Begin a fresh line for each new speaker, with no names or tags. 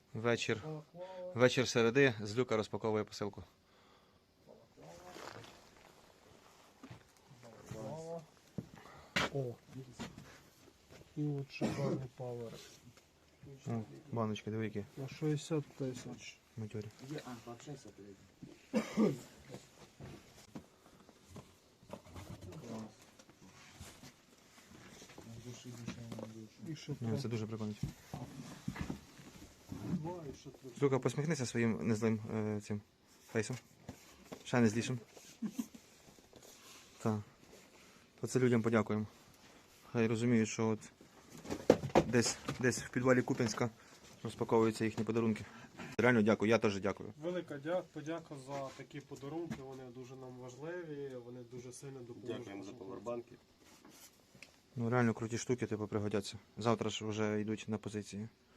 Вечір середи, Злюка розпаковує посилку.
О, і от шикарний павер.
О, баночки, диви які.
На 60 тисяч.
Матьорі.
Пообщайся, блядь.
І ще
Ні, це дуже прикольно.
два, і ще три.
Злюка, посміхнися своїм незлим цим фейсом. Ще не злішим. Так. То це людям подякуємо. Хай розуміють, що от десь в підвалі Куп'янська розпаковуються їхні подарунки. Реально дякую, я теж дякую.
Велика подяка за такі подарунки, вони дуже нам важливі, вони дуже сильно допоможуть.
Дякуємо за повербанки.
Ну реально круті штуки, типу, пригодяться. Завтра ж вже йдуть на позиції.